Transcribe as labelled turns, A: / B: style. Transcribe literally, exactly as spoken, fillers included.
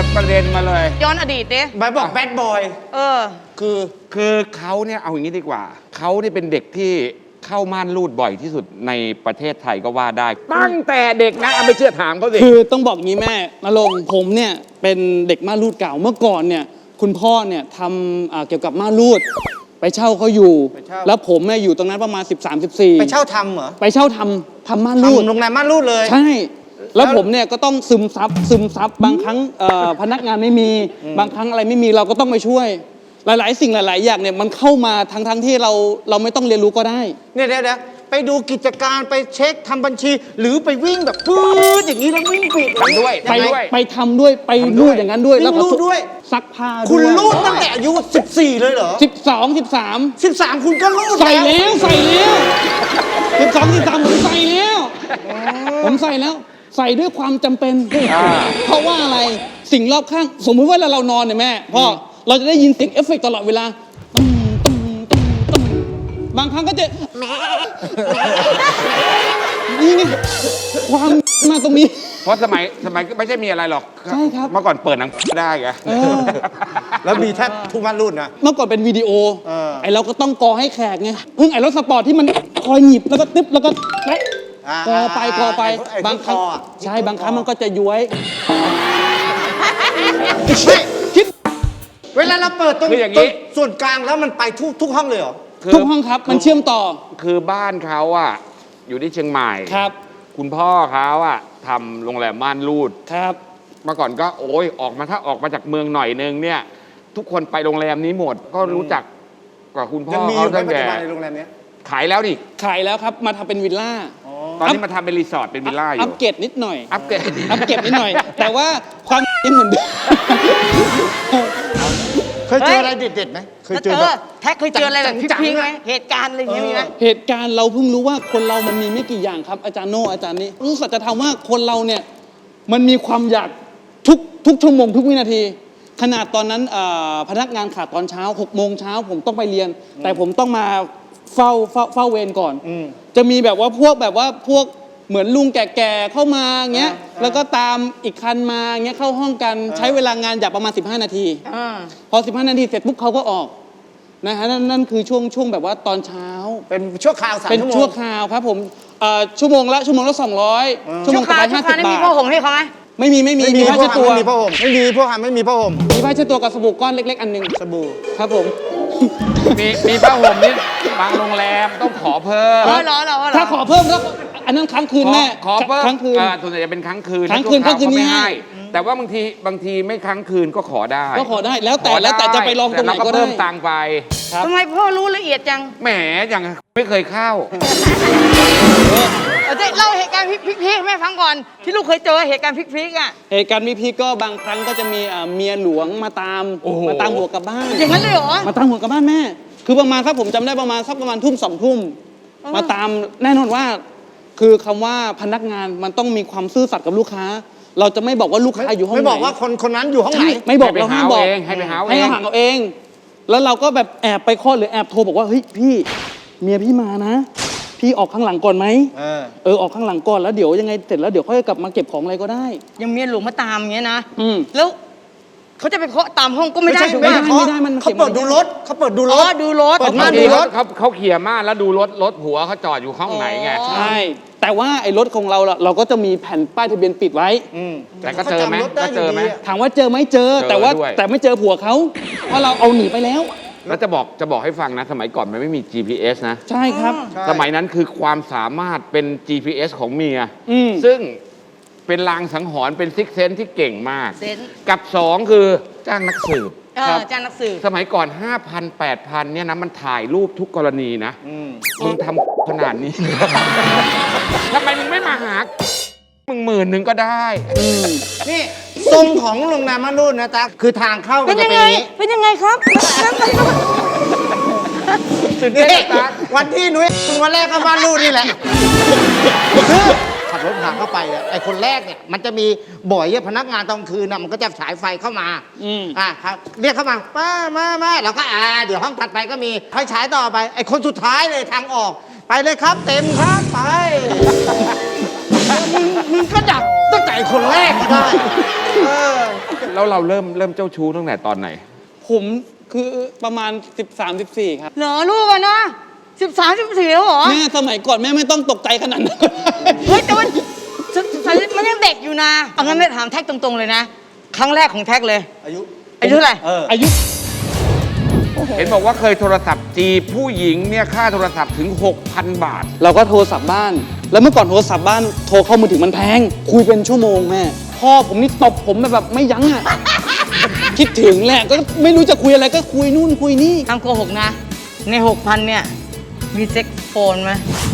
A: ดประเด็นมาเลย
B: ย้อนอดีตดิ
C: บายบอกแบดบอย
B: เออ
A: คือคือเขาเนี่ยเอาอย่างนี้ดีกว่าเขาเนี่ยเป็นเด็กที่เข้าม่านรูดบ่อยที่สุดในประเทศไทยก็ว่าได้ตั้งแต่เด็กนะเอาไม่เชื่อถามเขาสิ
D: คือต้องบอกงี้แม่นรงค์ผมเนี่ยเป็นเด็กม่านรูดเก่าเมื่อก่อนเนี่ยคุณพ่อเนี่ยทำเกี่ยวกับม่านรูดไปเช่าเขาอยู่แล้วผมเนี่ยอยู่ตรงนั้นประมาณสิบสาม สิบสี่
C: ไปเช่าทำเหรอ
D: ไปเช่าทำทำม่านรูด
C: ทำโรงแรมม่านรูดเลย
D: ใช่แล้วผมเนี่ยก็ต้องซึมซับซึมซับบางครั้งพนักงานไม่มีบางครั้งอะไรไม่มีเราก็ต้องไปช่วยหลายๆสิ่งหลายๆอย่างเนี่ยมันเข้ามาทั้งทั้งที่เราเราไม่ต้องเรียนรู้ก็ได้
C: เนี่ยเดี๋ยวเดี๋ยวไปดูกิจการไปเช็คทำบัญชีหรือไปวิ่งแบบปื๊ดอย่างนี้แล้ววิ่งปิด
A: ทำด้วย
D: ไปด้วยไปทำด้วยไปรูดอย่างนั้นด้วย
C: แล้วก็ด้วย
D: ซักผ้าด้วย
C: คุณรูดตั้งแต่อายุสิบสี่เลยเหรอ
D: สิบสองสิบสาม
C: สิบสามคุณก็รูด
D: ใส่แล้วใส่แล้วสิบสองสิบสามผมใส่แล้วผมใส่แล้วใส่ด้วยความจำเป็นเพราะว่าอะไรสิ่งรอบข้างสมมติว่าเรานอนเนี่ยแม่พ่อเราจะได้ยินเสียงเอฟเฟกต์ตลอดเวลาตุ้มตุ้มตุ้มตุ้มบางครั้งก็จะนี่ไงความมาตรงนี้
A: เพราะสมัยสมัยไม่ใช่มีอะไรหรอก
D: ใช่ครับ
A: เมื่อก่อนเปิดหนังได้ไง
C: แล้วมีแทบทุกม่านรูดนะ
D: เมื่อก่อนเป็นวิดีโอไอเราก็ต้องกอให้แขกไงเพิ่งไอรถสปอร์ตที่มันคอยหยิบแล้วก็ตึ๊บแล้วก็กอไปกอไปบางครั้งใช่บางครั้งมันก็จะย้วย
C: คิดเวลาเราเปิดตรงส่วนกลางแล้วมันไปทุกทุกห้องเลยเหรอ
D: ทุกห้องครับมันเชื่อมต่อ
A: คือบ้านเขาอ่ะอยู่ที่เชียงใหม่
D: ครับ
A: คุณพ่อเขาอ่ะทำโรงแรมม่านรูด
D: ครับ
A: เมื่อก่อนก็โอ้ยออกมาถ้าออกมาจากเมืองหน่อยนึงเนี่ยทุกคนไปโรงแรมนี้หมดก็รู้จักกับคุณพ่อเขาตั้งแต่
C: โรงแรมนี้
A: ขายแล้วดิ
D: ขายแล้วครับมาทำเป็นวิลล่า
A: ตอนนี้มาทำเป็นรีสอร์ทเป็นวิลล่าอยู่
D: อัปเกรดนิดหน่อย
A: อัปเกรด
D: อัปเกรดนิดหน่อยแต่ว่าความยังเหมือนเดิม
C: เคยเจออะไรเด็ดๆไหม
B: เคยเจอแท็กเคยเจออะไรแบบพิงไหมเหตุการณ์อะไรอย่างเงี้ยมีไหม
D: เหตุการณ์เราเพิ่งรู้ว่าคนเรามันมีไม่กี่อย่างครับอาจารย์โน่อาจารย์นี้รู้สัจธรรมว่าคนเราเนี่ยมันมีความอยากทุกทุกชั่วโมงทุกวินาทีขนาดตอนนั้นพนักงานขาดตอนเช้าหกโมงเช้าผมต้องไปเรียนแต่ผมต้องมาเฝ้าเฝ้าเฝ้าเวรก่อนจะมีแบบว่าพวกแบบว่าพวกเหมือนลุงแก่ๆเข้ามาเงี้ยแล้วก็ตามอีกคันมาเงี้ยเข้าห้องกันใช้เวลางานอย่างประมาณสิบห้านาทีพอสิบห้านาทีเสร็จปุ๊บเขาก็ออกนะฮะนั่นนั่นคือช่วงช่วงแบบว่าตอนเช้า
C: เป็นชั่วคราวสามชั่วโมง
D: เป็นชั่วคราวครับผมชั่วโมงละชั่วโมงละสองร้อยชั่วโมงละห้าสิบบาท
B: มีผ้าห่มให้เขาไหม
D: ไม่มีไม่มีมีผ้าเช็ดตัว
C: ไม่มีผ้าห่มไม่มีพวกหาไม่มีผ้าห่ม
D: มีผ้าเช็ดตัวกับสบู่ก้อนเล็กๆอันหนึ่ง
C: สบู่
D: ครับผม
A: มีมีผ้าห่มนี่บางโรงแรมต้องขอเพิ่ม
D: ถ้าขอเพิ่มแล้วอันนั้นครั้งคืนแม่
A: ขอเพิ่ม
D: ครั้งคืน
A: ส่วนใหญ่จะเป็นครั้งคืน
D: ครั้งคืนครั้งคืนไม่ให้
A: แต่ว่าบางทีบางทีไม่ครั้งคืนก็ขอได้
D: ก็ขอได้แล้วแต่แล้วแต่จะไปลองตรงไหนก็ได้
A: เพิ่มตังค์ไป
B: ทำไมพ่อรู้ละเอียดจัง
A: แหมอย่างไม่เคยเข้า
B: เล่าเหตุการณ์พลิกๆแม่ฟังก่อนที่ลูกเคยเจอเหตุการณ์พลิกๆอ่ะ
D: เหตุการณ์พลิกๆก็บางครั้งก็จะมีเมียหลวงมาตามมาตามหัวกลับบ้าน
B: อย่างนั้นเลยเหรอ
D: มาตามหัวกลับบ้านแม่คือประมาณครับผมจำได้ประมาณสักประมาณทุ่มสองทุ่มมาตามแน่นอนว่าคือคำว่าพนักงานมันต้องมีความซื่อสัตย์กับลูกค้าเราจะไม่บอกว่าลูกค้าอยู่ห้องไหน
C: ไม่บอกว่าคนคนนั้นอยู่ห้องไหน
D: ไม่บอกเราห้ามบอก
A: ให้ไปหาเอง
D: ให้เขาหาเอาเองแล้วเราก็แบบแอบไปเคาะหรือแอบโทรบอกว่าเฮ้ยพี่เมียพี่มานะพี่ออกข้างหลังก่อนไหมเออเออออกข้างหลังก่อนแล้วเดี๋ยวยังไงเสร็จแล้วเดี๋ยวค่อยกลับมาเก็บของอะไรก็ได้
B: ยังเมียหลวงมาตามอย่างเงี้ยนะแล้วเขาจะไปเคาะตามห้องก็ไม่ได้
D: ไม่ได้ไม่ได้มัน
C: เขาเปิดดูรถเขาเปิดดูรถ
B: ดูรถ
A: เปิดม่านดูรถเขาเขาเขี่ยม่านแล้วดูรถรถผัวเขาจอดอยู่ห้องไหนไง
D: ใช่แต่ว่าไอ้รถของเราเราก็จะมีแผ่นป้ายทะเบียนปิดไว้
A: แต่ก็เจอไหมก็เจอไหม
D: ถามว่าเจอไหมเจอแต่ว่าแต่ไม่เจอผัวเขาเพราะเราเอาหนีไปแล้ว
A: แล้วจะบอกจะบอกให้ฟังนะสมัยก่อนมันไม่มี จี พี เอส นะ
D: ใช่ครับ
A: สมัยนั้นคือความสามารถเป็น จี พี เอส ของเมียซึ่งเป็นลางสังหรณ์เป็นซิกเซนที่เก่งมากกับสองคือจ้างนักสืบ
B: จ้างนักสืบ
A: สมัยก่อน ห้าพัน แปดพัน เนี่ยนะมันถ่ายรูปทุกกรณีนะมึงทำขนาดนี้ทำไมมึงไม่มาหามึงหมื่นหนึ่งก็ได้
C: นี่ทรงของโรงแรมม่านรูดนะจ๊ะคือทางเข้า
B: เป็นยังไงเป็นยังไงครับ
C: สุดยอดวันที่นุ้ยวันแรกก็ม่านรูดนี่แหละคือขับรถผ่านเข้าไปไอ้คนแรกเนี่ยมันจะมีบ่อยพนักงานตอนคืนนะมันก็จะฉายไฟเข้ามาอ่าครับเรียกเข้ามาป้ามามาแล้วก็อ่าเดี๋ยวห้องถัดไปก็มีให้ฉายต่อไปไอ้คนสุดท้ายเลยทางออกไปเลยครับเต็มครับไปมึงมึงก็ดักตั้งแต่คนแรกก็ได้
A: แล้วเราเริ่มเริ่มเจ้าชู้ตั้งแต่ตอนไหน
D: ผมคือประมาณ สิบสาม สิบสี่ ครับ
B: เหรอลูกอะนะสิบสามสิบสี่แล้วเหรอ
D: แม่สมัยก่อนแม่ไม่ต้องตกใจขนาดนั้น
B: เฮ้ยแต่มันมันยังเด็กอยู่นะเอางั้นไม่ถามแท็กตรงๆเลยนะ ครั้งแรกของแท็กเลย
C: อายุ
B: อายุเท่าไหร่
C: เออ
D: อายุ
A: เห็นบอกว่าเคยโทรศัพท์จีบผู้หญิงเนี่ยค่าโทรศัพท์ถึง หกพัน บาท
D: เราก็โทรศัพท์บ้าน แล้วเมื่อก่อนโทรศัพท์บ้านโทรเข้ามือถือมันแพง คุยเป็นชั่วโมงแม่พ่อผมนี่ตบผมแบบไม่ยั้งอ่ะ คิดถึงแหละก็ไม่รู้จะคุยอะไรก็คุยนู่นคุยนี่
B: ทำโกหกนะ ในหกพันเนี่ย มีเซ็กโฟนไหม